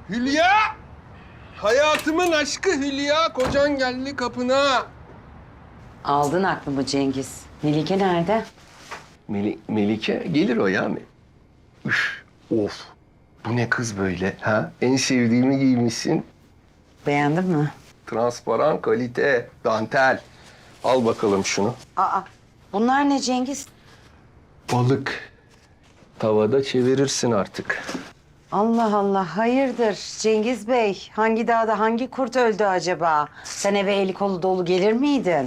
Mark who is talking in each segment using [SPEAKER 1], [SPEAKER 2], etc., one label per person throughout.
[SPEAKER 1] Hülya! Hayatımın aşkı Hülya. Kocan geldi kapına.
[SPEAKER 2] Aldın aklımı Cengiz. Melike nerede?
[SPEAKER 1] Melike gelir o ya. Üf, of. Bu ne kız böyle ha? En sevdiğimi giymişsin.
[SPEAKER 2] Beğendin mi?
[SPEAKER 1] Transparan, kalite, dantel. Al bakalım şunu.
[SPEAKER 2] Aa, bunlar ne Cengiz?
[SPEAKER 1] Balık. Tavada çevirirsin artık.
[SPEAKER 2] Allah Allah, hayırdır Cengiz Bey? Hangi dağda hangi kurt öldü acaba? Sen eve eli kolu dolu gelir miydin?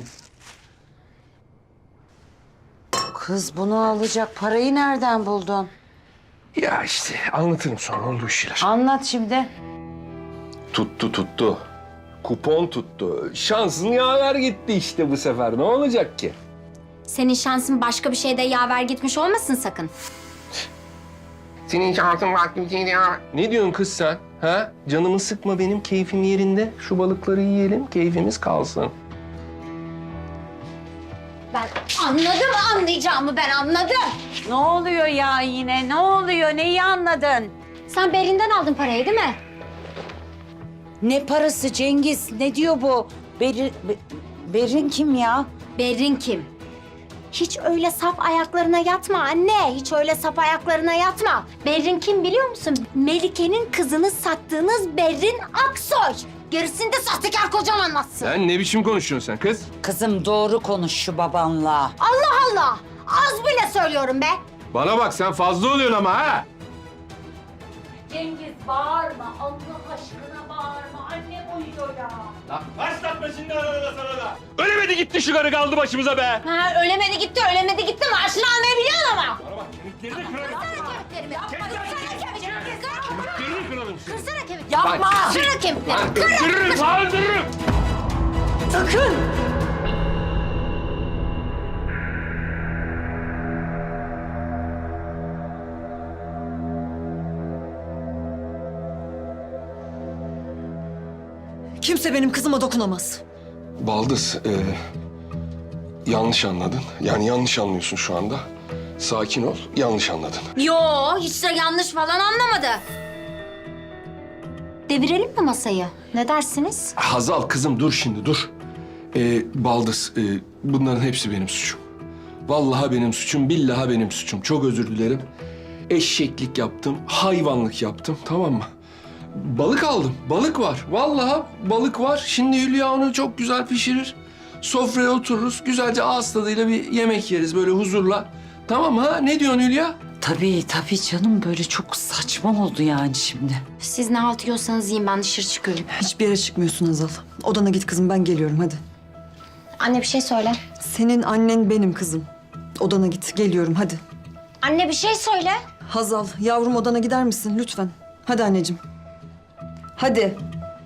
[SPEAKER 2] Kız bunu alacak parayı nereden buldun?
[SPEAKER 1] Ya işte anlatırım sonra olduğu şeyler.
[SPEAKER 2] Anlat şimdi.
[SPEAKER 1] Tuttu. Kupon tuttu. Şansın yaver gitti işte bu sefer. Ne olacak ki?
[SPEAKER 3] Senin şansın başka bir şeyde yaver gitmiş olmasın sakın.
[SPEAKER 1] Senin şansın farklı bir şeydi ya. Ne diyorsun kız sen? Ha? Canımı sıkma benim, keyfim yerinde. Şu balıkları yiyelim, keyfimiz kalsın.
[SPEAKER 3] Ben anladım, anlayacağımı ben anladım.
[SPEAKER 2] Ne oluyor ya yine? Ne oluyor? Neyi anladın?
[SPEAKER 3] Sen Berin'den aldın parayı değil mi?
[SPEAKER 2] Ne parası Cengiz? Ne diyor bu? Berin kim ya?
[SPEAKER 3] Berrin kim? Hiç öyle sap ayaklarına yatma anne. Hiç öyle sap ayaklarına yatma. Berrin kim biliyor musun? Melike'nin kızını sattığınız Berrin Aksoy. Gerisini de sahtekar kocam anlatsın.
[SPEAKER 1] Sen ne biçim konuşuyorsun sen kız?
[SPEAKER 2] Kızım doğru konuş şu babanla.
[SPEAKER 3] Allah Allah! Az bile söylüyorum be.
[SPEAKER 1] Bana bak sen fazla oluyorsun ama ha.
[SPEAKER 4] Cengiz bağırma, Allah aşkına bağırma. Annem uyuyor ya.
[SPEAKER 1] Başlatma şimdi arada sana da. Ölemedi gitti şu karı kaldı başımıza be.
[SPEAKER 3] Ha, ölemedi gitti maaşını almayı biliyorsun ama.
[SPEAKER 1] Bana bak kemiklerini kırarım.
[SPEAKER 3] Kırsana kemiklerimi.
[SPEAKER 1] Kemiklerini kırarım seni.
[SPEAKER 3] Kırsana kemiklerimi.
[SPEAKER 2] Yapma!
[SPEAKER 3] Kırsana kemiklerimi.
[SPEAKER 1] Öldürürüm, öldürürüm.
[SPEAKER 2] Sakın!
[SPEAKER 5] Kimse benim kızıma dokunamaz.
[SPEAKER 1] Baldız, yanlış anladın. Yani yanlış anlıyorsun şu anda. Sakin ol, yanlış anladın.
[SPEAKER 3] Yo, hiç de yanlış falan anlamadı. Devirelim mi masayı? Ne dersiniz?
[SPEAKER 1] Hazal kızım dur şimdi dur. Baldız, bunların hepsi benim suçum. Vallahi benim suçum, billahi benim suçum. Çok özür dilerim. Eşeklik yaptım, hayvanlık yaptım, tamam mı? Balık aldım, balık var. Vallahi balık var. Şimdi Hülya onu çok güzel pişirir. Sofraya otururuz, güzelce ağız tadıyla bir yemek yeriz böyle huzurla. Tamam mı ha? Ne diyorsun Hülya?
[SPEAKER 2] Tabii canım böyle çok saçma oldu yani şimdi.
[SPEAKER 3] Siz ne halt yiyorsanız yiyin, ben dışarı çıkıyorum.
[SPEAKER 5] Hiçbir yere çıkmıyorsun Hazal. Odana git kızım, ben geliyorum hadi.
[SPEAKER 3] Anne bir şey söyle.
[SPEAKER 5] Senin annen benim kızım. Odana git, geliyorum hadi.
[SPEAKER 3] Anne bir şey söyle.
[SPEAKER 5] Hazal, yavrum odana gider misin lütfen? Hadi anneciğim. Hadi.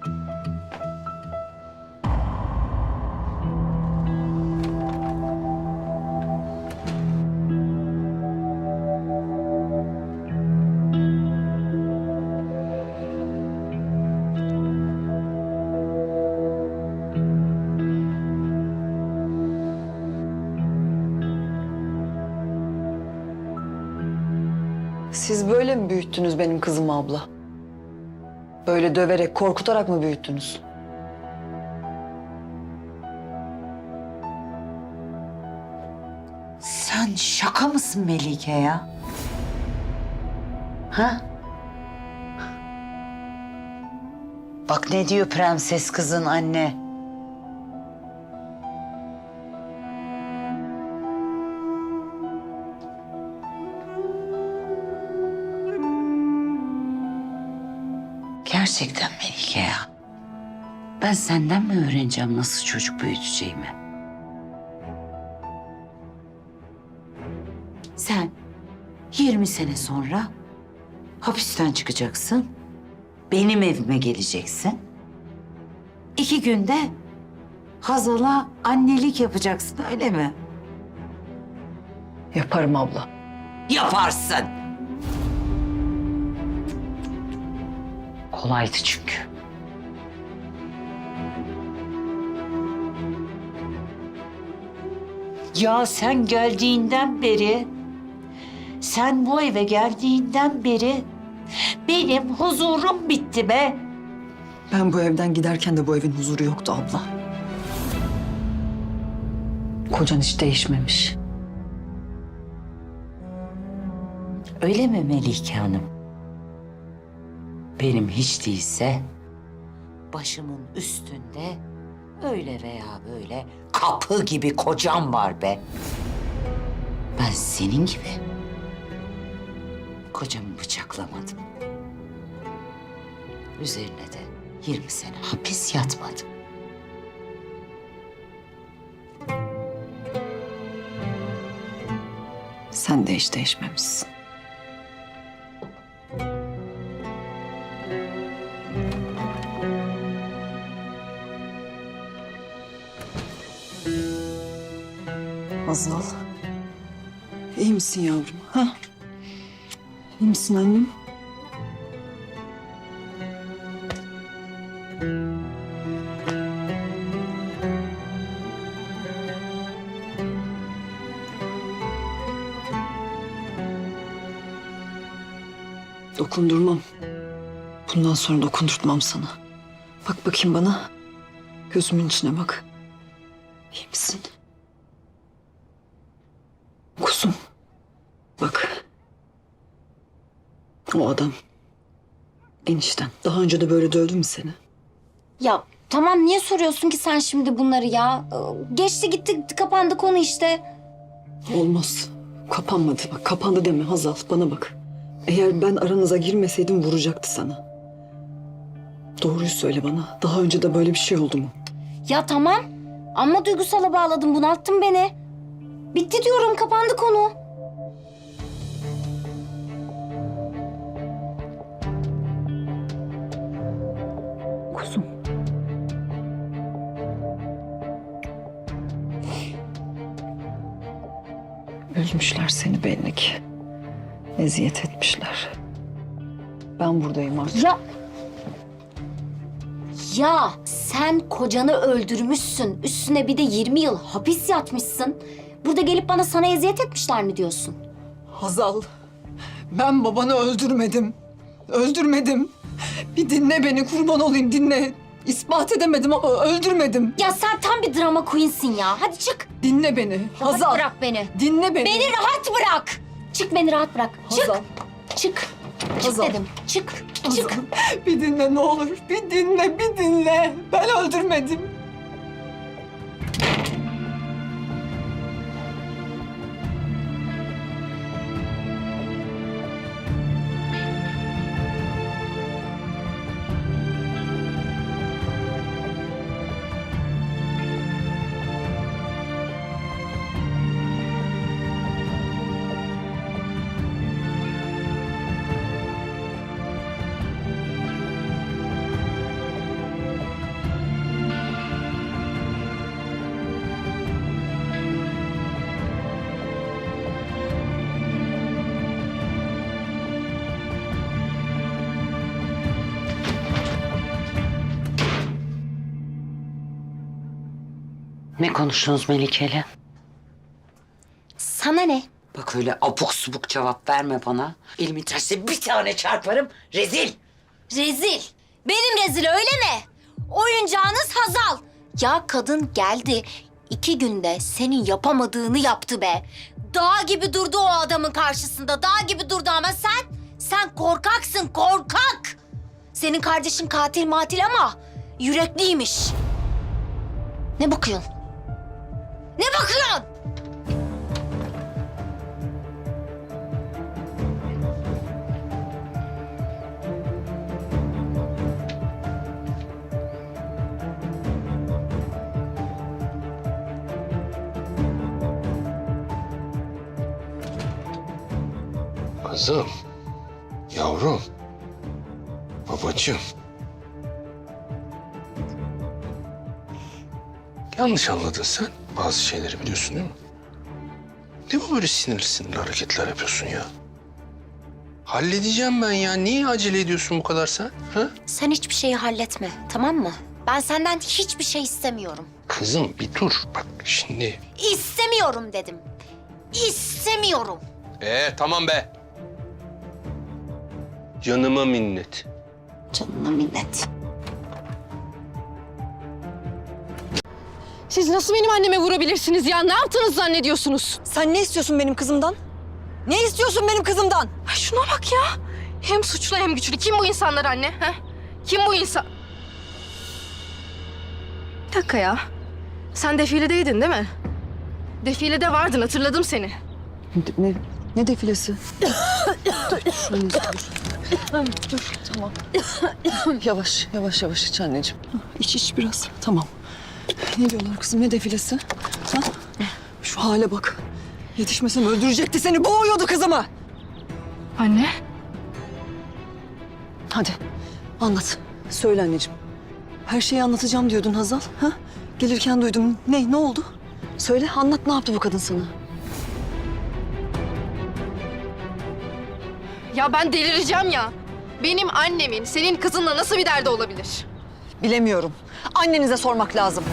[SPEAKER 5] Siz böyle mi büyüttünüz benim kızımı abla? Böyle döverek, korkutarak mı büyüttünüz?
[SPEAKER 2] Sen şaka mısın Melike ya? Ha? Bak ne diyor prenses kızın anne. Gerçekten Melike ya. Ben senden mi öğreneceğim nasıl çocuk büyüteceğimi? Sen 20 sene sonra hapisten çıkacaksın. Benim evime geleceksin. 2 günde Hazal'a annelik yapacaksın öyle mi?
[SPEAKER 5] Yaparım abla.
[SPEAKER 2] Yaparsın. Kolaydı çünkü. Ya sen geldiğinden beri, sen bu eve geldiğinden beri
[SPEAKER 4] benim huzurum bitti be.
[SPEAKER 5] Ben bu evden giderken de bu evin huzuru yoktu abla. Kocan hiç değişmemiş.
[SPEAKER 6] Öyle mi Melike Hanım? Benim hiç değilse başımın üstünde öyle veya böyle kapı gibi kocam var be. Ben senin gibi kocamı bıçaklamadım. Üzerine de 20 sene hapis yatmadım.
[SPEAKER 5] Sen de hiç değişmemişsin. Hazal. İyi misin yavrum? Ha? İyi misin annem? Dokundurmam. Bundan sonra dokundurtmam sana. Bak bakayım bana. Gözümün içine bak. İyi misin? Kuzum. Bak. O adam. Enişten. Daha önce de böyle dövdü mü seni?
[SPEAKER 3] Ya tamam, niye soruyorsun ki sen şimdi bunları ya? Geçti gitti, kapandı konu işte.
[SPEAKER 5] Olmaz. Kapanmadı. Bak kapandı deme Hazal. Bana bak. Eğer ben aranıza girmeseydim vuracaktı sana. Doğruyu söyle bana. Daha önce de böyle bir şey oldu mu?
[SPEAKER 3] Ya tamam, ama duygusala bağladın, bunalttın beni. Bitti diyorum, kapandı konu.
[SPEAKER 5] Kuzum. Üzmüşler seni belli ki. Eziyet etmişler. Ben buradayım artık.
[SPEAKER 3] Ya sen kocanı öldürmüşsün. Üstüne bir de 20 yıl hapis yatmışsın. Burada gelip bana sana eziyet etmişler mi diyorsun?
[SPEAKER 5] Hazal, ben babanı öldürmedim. Öldürmedim. Bir dinle beni, kurban olayım dinle. İspat edemedim ama öldürmedim.
[SPEAKER 3] Ya sen tam bir drama queen'sin ya. Hadi çık.
[SPEAKER 5] Dinle beni.
[SPEAKER 3] Rahat
[SPEAKER 5] Hazal.
[SPEAKER 3] bırak beni.
[SPEAKER 5] Dinle beni.
[SPEAKER 3] Beni rahat bırak. Çık, beni rahat bırak. Çık.
[SPEAKER 5] Hazal.
[SPEAKER 3] Çık. Çık
[SPEAKER 5] Hazal.
[SPEAKER 3] dedim. Çık.
[SPEAKER 5] Hazal.
[SPEAKER 3] Çık.
[SPEAKER 5] Bir dinle ne olur. Bir dinle, bir dinle. Ben öldürmedim.
[SPEAKER 6] Ne konuştunuz Melike'yle?
[SPEAKER 3] Sana ne?
[SPEAKER 6] Bak öyle abuk subuk cevap verme bana. Elimin tersiyle bir tane çarparım. Rezil.
[SPEAKER 3] Rezil. Benim rezil, öyle mi? Oyuncağınız Hazal. Ya kadın geldi, 2 günde senin yapamadığını yaptı be. Dağ gibi durdu o adamın karşısında. Dağ gibi durdu ama sen korkaksın, korkak. Senin kardeşin katil matil ama yürekliymiş. Ne bakıyorsun? Ne bakıyorsun?
[SPEAKER 1] Kızım, yavrum, babacığım. Yanlış anladın sen. Bazı şeyleri biliyorsun değil mi? Ne bu böyle sinirli sinirli hareketler yapıyorsun ya? Halledeceğim ben ya. Niye acele ediyorsun bu kadar sen? Ha?
[SPEAKER 3] Sen hiçbir şeyi halletme, tamam mı? Ben senden hiçbir şey istemiyorum.
[SPEAKER 1] Kızım bir dur. Bak şimdi.
[SPEAKER 3] İstemiyorum dedim. İstemiyorum.
[SPEAKER 1] Tamam be. Canıma minnet.
[SPEAKER 6] Canına minnet.
[SPEAKER 7] Siz nasıl benim anneme vurabilirsiniz ya? Ne yaptınız zannediyorsunuz?
[SPEAKER 5] Sen ne istiyorsun benim kızımdan? Ne istiyorsun benim kızımdan?
[SPEAKER 7] Ay şuna bak ya. Hem suçlu hem güçlü. Kim bu insanlar anne? Ha? Kim bu insan? Bir dakika ya. Sen defiledeydin değil mi? Defilede vardın, hatırladım seni.
[SPEAKER 5] Ne defilesi? Dur, tamam. Yavaş iç anneciğim. İç biraz, tamam. Ne diyorlar kızım, ne defilesi? Ha? Şu hale bak. Yetişmesem öldürecekti seni, boğuyordu kızımı.
[SPEAKER 7] Anne?
[SPEAKER 5] Hadi, anlat. Söyle anneciğim. Her şeyi anlatacağım diyordun Hazal. Ha? Gelirken duydum. Ne oldu? Söyle, anlat, ne yaptı bu kadın sana?
[SPEAKER 7] Ya ben delireceğim ya. Benim annemin senin kızınla nasıl bir derdi olabilir?
[SPEAKER 5] Bilemiyorum. Annenize sormak lazım.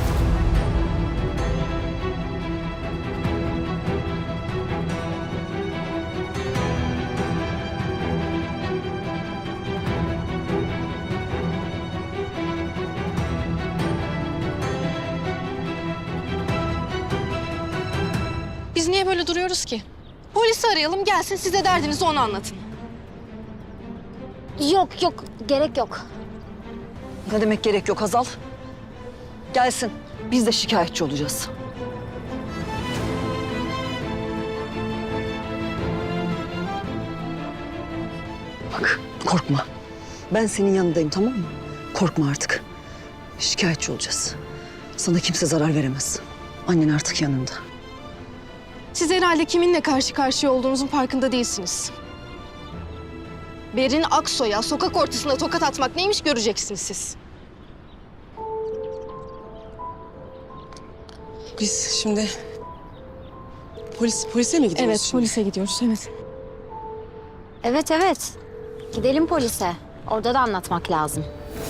[SPEAKER 7] Biz niye böyle duruyoruz ki? Polisi arayalım, gelsin size derdinizi ona anlatın.
[SPEAKER 3] Yok gerek yok.
[SPEAKER 5] Ne demek gerek yok Hazal? Gelsin. Biz de şikayetçi olacağız. Bak, korkma. Ben senin yanındayım, tamam mı? Korkma artık. Şikayetçi olacağız. Sana kimse zarar veremez. Annen artık yanında.
[SPEAKER 7] Siz herhalde kiminle karşı karşıya olduğunuzun farkında değilsiniz. Berin Aksoy'a sokak ortasında tokat atmak neymiş göreceksiniz siz.
[SPEAKER 8] Biz şimdi polise mi gidiyoruz
[SPEAKER 7] Evet,
[SPEAKER 8] şimdi?
[SPEAKER 7] polise gidiyoruz, evet.
[SPEAKER 3] Evet. Gidelim polise. Orada da anlatmak lazım.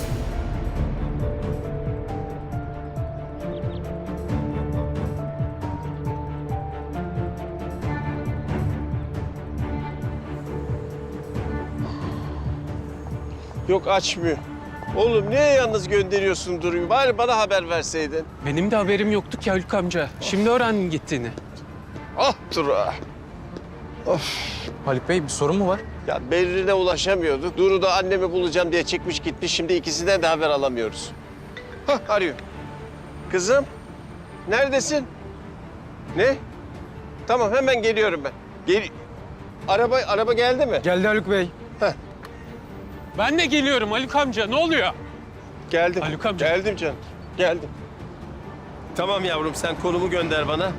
[SPEAKER 9] Yok açmıyor. Oğlum niye yalnız gönderiyorsun Duru'yu? Bari bana haber verseydin.
[SPEAKER 10] Benim de haberim yoktu ki Haluk amca. Şimdi öğrendim gittiğini.
[SPEAKER 9] Ah Duru.
[SPEAKER 10] Haluk Bey bir sorun mu var?
[SPEAKER 9] Ya Berrin'e ulaşamıyorduk. Duru da annemi bulacağım diye çıkmış gitmiş. Şimdi ikisinden de haber alamıyoruz. Hah arıyor. Kızım neredesin? Ne? Tamam hemen geliyorum ben. Araba geldi mi?
[SPEAKER 10] Geldi Haluk Bey.
[SPEAKER 9] Heh.
[SPEAKER 10] Ben de geliyorum Haluk amca. Ne oluyor?
[SPEAKER 9] Geldim.
[SPEAKER 10] Haluk amca.
[SPEAKER 9] Geldim canım. Geldim. Tamam yavrum sen konumu gönder bana.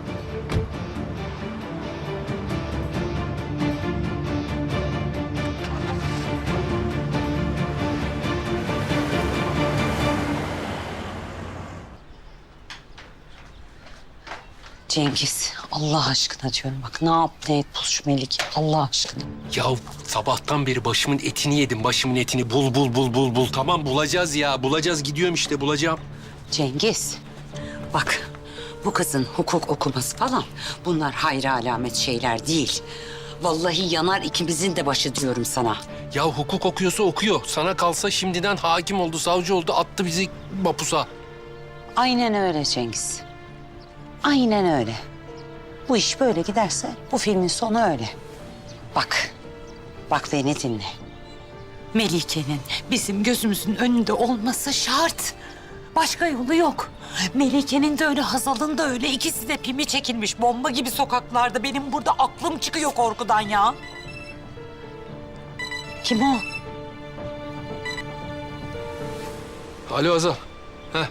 [SPEAKER 6] Cengiz, Allah aşkına diyorum bak ne yap ne et bul şu Melike Allah aşkına.
[SPEAKER 1] Ya sabahtan beri başımın etini yedim. Başımın etini bul. Tamam bulacağız ya. Bulacağız gidiyorum işte bulacağım.
[SPEAKER 6] Cengiz, bak bu kızın hukuk okuması falan bunlar hayra alamet şeyler değil. Vallahi yanar ikimizin de başı diyorum sana.
[SPEAKER 1] Ya hukuk okuyorsa okuyor. Sana kalsa şimdiden hakim oldu, savcı oldu, attı bizi mapusa.
[SPEAKER 6] Aynen öyle Cengiz. Aynen öyle. Bu iş böyle giderse bu filmin sonu öyle. Bak beni dinle. Melike'nin bizim gözümüzün önünde olması şart. Başka yolu yok. Melike'nin de öyle, Hazal'ın da öyle. İkisi de pimi çekilmiş bomba gibi sokaklarda. Benim burada aklım çıkıyor korkudan ya. Kim o?
[SPEAKER 1] Alo Azal. Heh.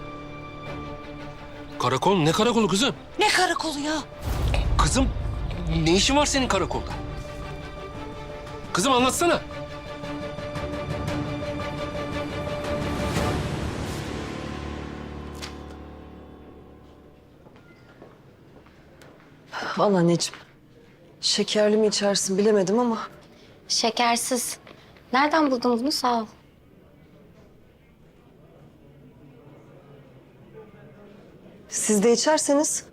[SPEAKER 1] Karakol? Ne karakolu kızım?
[SPEAKER 6] Ne karakolu ya?
[SPEAKER 1] Kızım ne işin var senin karakolda? Kızım anlatsana.
[SPEAKER 5] Al anneciğim. Şekerli mi içersin bilemedim ama.
[SPEAKER 3] Şekersiz. Nereden buldun bunu? Sağ ol.
[SPEAKER 5] Siz de içerseniz.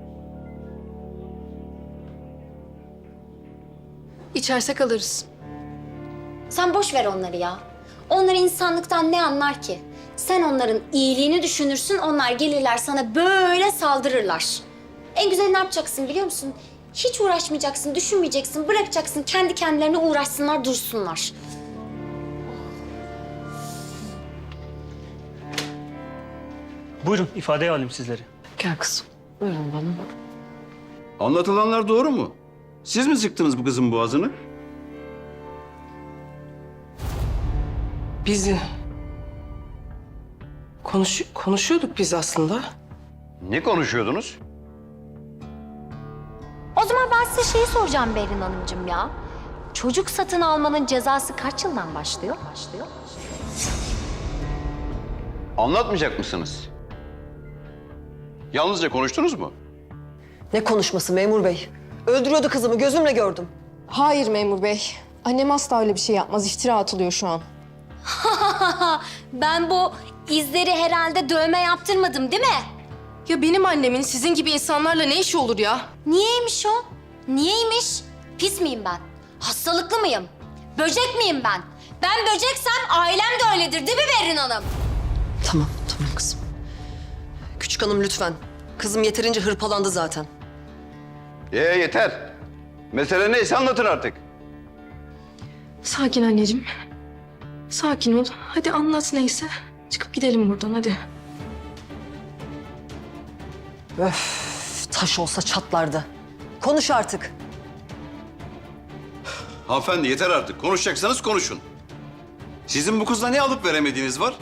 [SPEAKER 7] İçersek alırız.
[SPEAKER 3] Sen boş ver onları ya. Onlar insanlıktan ne anlar ki? Sen onların iyiliğini düşünürsün, onlar gelirler sana böyle saldırırlar. En güzel ne yapacaksın biliyor musun? Hiç uğraşmayacaksın, düşünmeyeceksin, bırakacaksın. Kendi kendilerine uğraşsınlar, dursunlar.
[SPEAKER 8] Buyurun ifadeye alayım sizleri.
[SPEAKER 5] Gel kızım. Buyurun bana.
[SPEAKER 11] Anlatılanlar doğru mu? Siz mi sıktınız bu kızın boğazını?
[SPEAKER 5] Biz konuşuyorduk biz aslında.
[SPEAKER 11] Ne konuşuyordunuz?
[SPEAKER 3] O zaman ben size şeyi soracağım Berin Hanımcığım ya. Çocuk satın almanın cezası kaç yıldan başlıyor?
[SPEAKER 11] Anlatmayacak mısınız? Yalnızca konuştunuz mu?
[SPEAKER 5] Ne konuşması memur bey? Öldürüyordu kızımı, gözümle gördüm.
[SPEAKER 7] Hayır memur bey. Annem asla öyle bir şey yapmaz. İftira atılıyor şu an.
[SPEAKER 3] Ben bu izleri herhalde dövme yaptırmadım değil mi?
[SPEAKER 7] Ya benim annemin sizin gibi insanlarla ne işi olur ya?
[SPEAKER 3] Niyeymiş o? Niyeymiş? Pis miyim ben? Hastalıklı mıyım? Böcek miyim ben? Ben böceksem ailem de öyledir değil mi Berin Hanım?
[SPEAKER 5] Tamam kızım. Küçük hanım lütfen. Kızım yeterince hırpalandı zaten.
[SPEAKER 11] Yeter. Mesele neyse anlatın artık.
[SPEAKER 7] Sakin anneciğim. Sakin ol. Hadi anlat neyse. Çıkıp gidelim buradan hadi.
[SPEAKER 5] Öf, taş olsa çatlardı. Konuş artık.
[SPEAKER 11] Hanımefendi yeter artık. Konuşacaksanız konuşun. Sizin bu kızla ne alıp veremediğiniz var?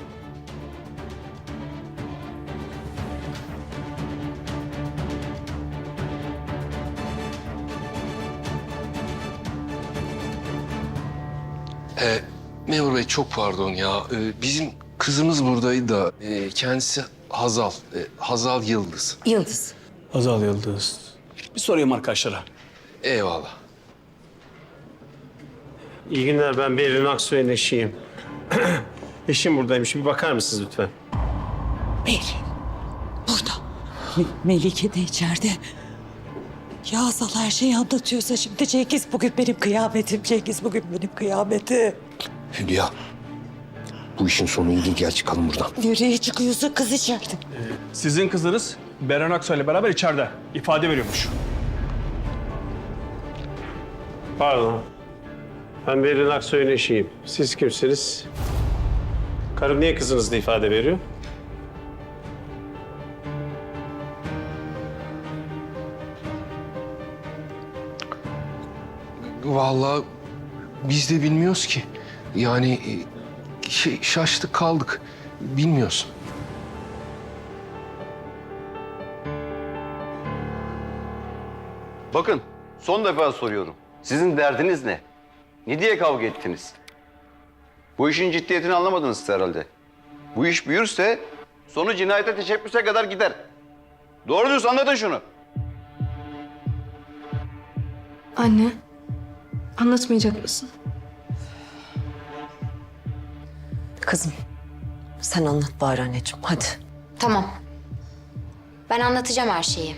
[SPEAKER 1] Memur Bey çok pardon ya. Bizim kızımız buradaydı da kendisi Hazal. Hazal Yıldız.
[SPEAKER 5] Yıldız.
[SPEAKER 8] Azal Yıldız. Bir sorayım arkadaşlara.
[SPEAKER 1] Eyvallah.
[SPEAKER 9] İyi günler, ben Berin Aksoy'un eşiyim. Eşim buradaymış, bir bakar mısınız lütfen?
[SPEAKER 6] Berin burada. Melike de içeride. Ya Azal her şeyi anlatıyorsa şimdi Cengiz bugün benim kıyametim. Cengiz bugün benim kıyametim.
[SPEAKER 1] Hülya. Bu işin sonu iyi değil. Gel çıkalım buradan.
[SPEAKER 6] Nereye çıkıyorsun kız içeride?
[SPEAKER 8] Sizin kızınız Beren Aksoy ile beraber içeride ifade veriyormuş.
[SPEAKER 9] Pardon. Ben Berin Aksoy'un eşiyim. Siz kimsiniz? Karım niye kızınızla ifade veriyor?
[SPEAKER 1] Vallahi biz de bilmiyoruz ki. Yani şaştık kaldık. Bilmiyoruz.
[SPEAKER 11] Bakın son defa soruyorum. Sizin derdiniz ne? Ne diye kavga ettiniz? Bu işin ciddiyetini anlamadınız herhalde. Bu iş büyürse sonu cinayete teşebbüse kadar gider. Doğru diyorsun, anlatın şunu.
[SPEAKER 7] Anne. Anlatmayacak mısın?
[SPEAKER 5] Kızım sen anlat bari anneciğim hadi.
[SPEAKER 3] Tamam. Ben anlatacağım her şeyi.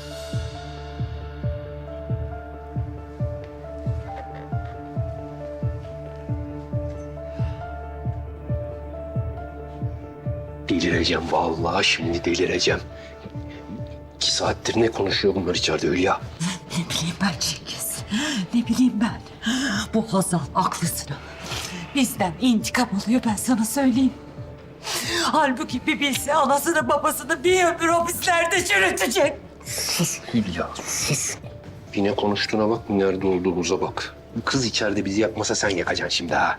[SPEAKER 1] Delireceğim vallahi, şimdi delireceğim. 2 saattir ne konuşuyor bunlar içeride Hülya?
[SPEAKER 6] Ne bileyim ben Cengiz. Ne bileyim ben. Bu Hazal aklısına. Bizden intikam alıyor ben sana söyleyeyim. Halbuki bir bilse anasını babasını bir ömür hapislerde çürütecek.
[SPEAKER 1] Sus Hülya, sus. Yine konuştuğuna bak, nerede olduğumuza bak. Bu kız içeride bizi yakmasa sen yakacaksın şimdi ha.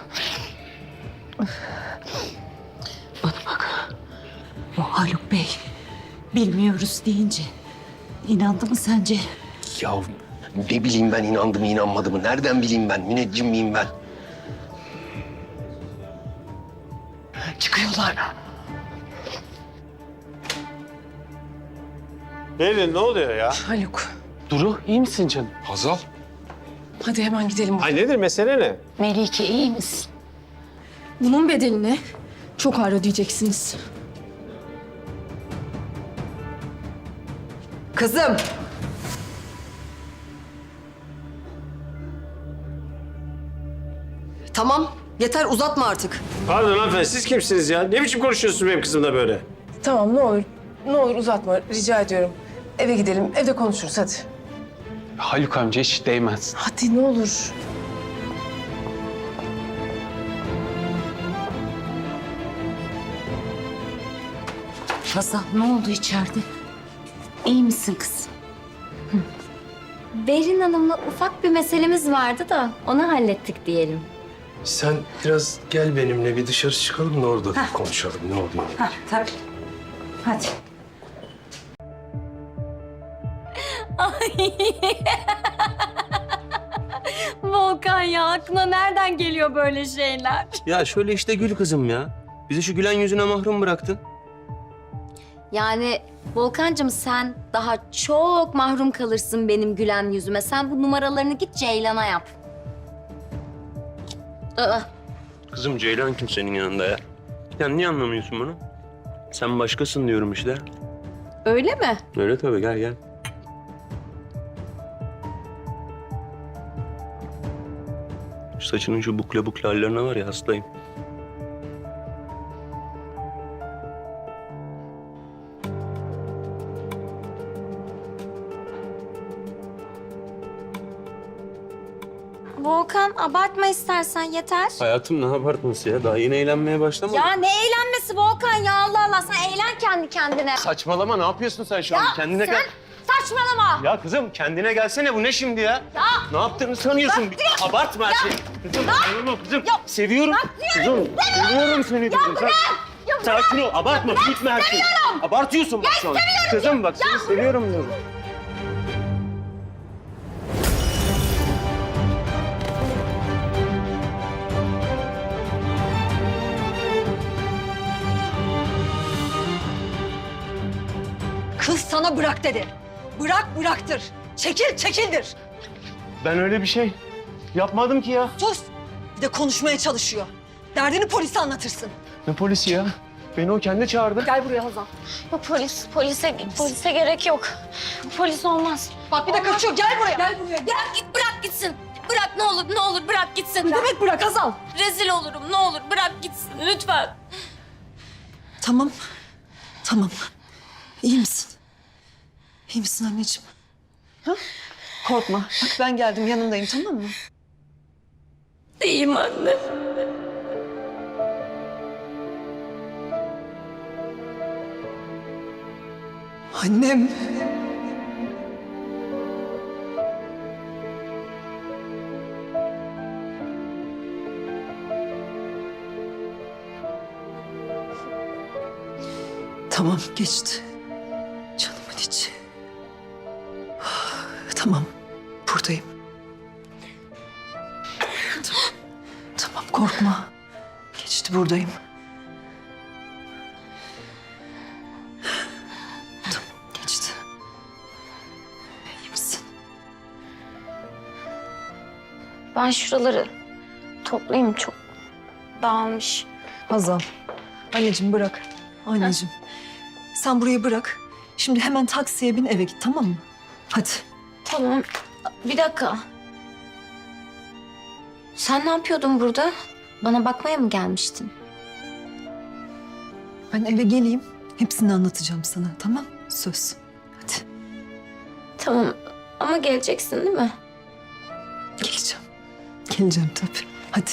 [SPEAKER 6] Bu Haluk Bey bilmiyoruz deyince inandı mı sence?
[SPEAKER 1] Ya ne bileyim ben, inandı mı inanmadı mı? Nereden bileyim ben? Müneccim miyim ben?
[SPEAKER 6] Çıkıyorlar.
[SPEAKER 9] Berin ne oluyor ya?
[SPEAKER 5] Haluk
[SPEAKER 10] Duru iyi misin canım?
[SPEAKER 1] Hazal.
[SPEAKER 5] hadi hemen gidelim.
[SPEAKER 9] Ay nedir, mesele ne?
[SPEAKER 6] Melike iyi misin?
[SPEAKER 7] Bunun bedelini çok ağır ödeyeceksiniz.
[SPEAKER 5] Kızım. Tamam, yeter uzatma artık.
[SPEAKER 9] Pardon hanımefendi, siz kimsiniz ya? Ne biçim konuşuyorsunuz benim kızımla böyle?
[SPEAKER 12] Tamam ne olur. Ne olur uzatma rica ediyorum. Eve gidelim. Evde konuşuruz hadi.
[SPEAKER 10] Haluk amca hiç değmez.
[SPEAKER 12] Hadi ne olur.
[SPEAKER 6] Hazal ne oldu içeride? İyi misin kızım?
[SPEAKER 3] Berin Hanım'la ufak bir meselemiz vardı da onu hallettik diyelim.
[SPEAKER 13] Sen biraz gel benimle bir dışarı çıkalım da orada konuşalım ne oluyor.
[SPEAKER 6] Ha, tabii. Hadi.
[SPEAKER 3] Volkan ya aklına nereden geliyor böyle şeyler?
[SPEAKER 13] Ya şöyle işte gül kızım ya. Bizi şu gülen yüzüne mahrum bıraktın.
[SPEAKER 3] Yani Volkancığım sen daha çok mahrum kalırsın benim gülen yüzüme. Sen bu numaralarını git Ceylan'a yap. Aa,
[SPEAKER 13] Kızım Ceylan kim senin yanında ya? Ya niye anlamıyorsun bunu? Sen başkasın diyorum işte.
[SPEAKER 3] öyle mi?
[SPEAKER 13] Öyle tabii gel gel. Şu saçının şu bukle bukle hallerine var ya hastayım.
[SPEAKER 3] Volkan abartma istersen yeter.
[SPEAKER 13] Hayatım ne abartması ya? Daha yeni eğlenmeye başlamadım.
[SPEAKER 3] Ya ne eğlenmesi Volkan ya Allah Allah sen eğlen kendi kendine.
[SPEAKER 9] Saçmalama, ne yapıyorsun sen şu an? Kendine
[SPEAKER 3] sen
[SPEAKER 9] gel.
[SPEAKER 3] saçmalama.
[SPEAKER 9] Ya kızım kendine gelsene, bu ne şimdi ya?
[SPEAKER 3] Ya.
[SPEAKER 9] Ne yaptığını sanıyorsun? Abartma her şeyi. Kızım, saçmalama kızım. Seviyorum. Kızım, seviyorum seni diyorum. Sakin ol, abartma, büyütme her şeyi. Abartıyorsun bak şu an. Kızım bak, seni seviyorum diyorum.
[SPEAKER 5] Kız sana bırak dedi. Bırak bıraktır. Çekil çekildir.
[SPEAKER 9] Ben öyle bir şey yapmadım ki ya.
[SPEAKER 5] Sus. Bir de konuşmaya çalışıyor. Derdini polise anlatırsın.
[SPEAKER 9] Ne polisi ya? Beni o kendi çağırdı.
[SPEAKER 5] Gel buraya Hazal.
[SPEAKER 3] Ya polise gerek yok. Polis olmaz.
[SPEAKER 5] Bak bir de kaçıyor. Gel buraya. Gel buraya. Gel.
[SPEAKER 3] Bırak gitsin. Bırak ne olur bırak gitsin.
[SPEAKER 5] Ne demek bırak Hazal?
[SPEAKER 3] Rezil olurum ne olur bırak gitsin lütfen.
[SPEAKER 5] Tamam. Tamam. İyi misin? İyi misin anneciğim? Ha? Korkma. Bak ben geldim yanındayım tamam mı?
[SPEAKER 3] İyiyim anne.
[SPEAKER 5] Annem. Tamam geçti. Canımın içi. Tamam buradayım. Tamam, tamam korkma. Geçti buradayım. Tamam geçti. İyi misin?
[SPEAKER 3] Ben şuraları toplayayım çok dağılmış.
[SPEAKER 5] Hazal. Anneciğim bırak. Anneciğim. Sen burayı bırak. Şimdi hemen taksiye bin eve git tamam mı? Hadi.
[SPEAKER 3] Tamam bir dakika. Sen ne yapıyordun burada? Bana bakmaya mı gelmiştin?
[SPEAKER 5] Ben eve geleyim. Hepsini anlatacağım sana tamam? Söz. Hadi.
[SPEAKER 3] Tamam ama geleceksin değil mi?
[SPEAKER 5] Geleceğim. Geleceğim tabii. Hadi.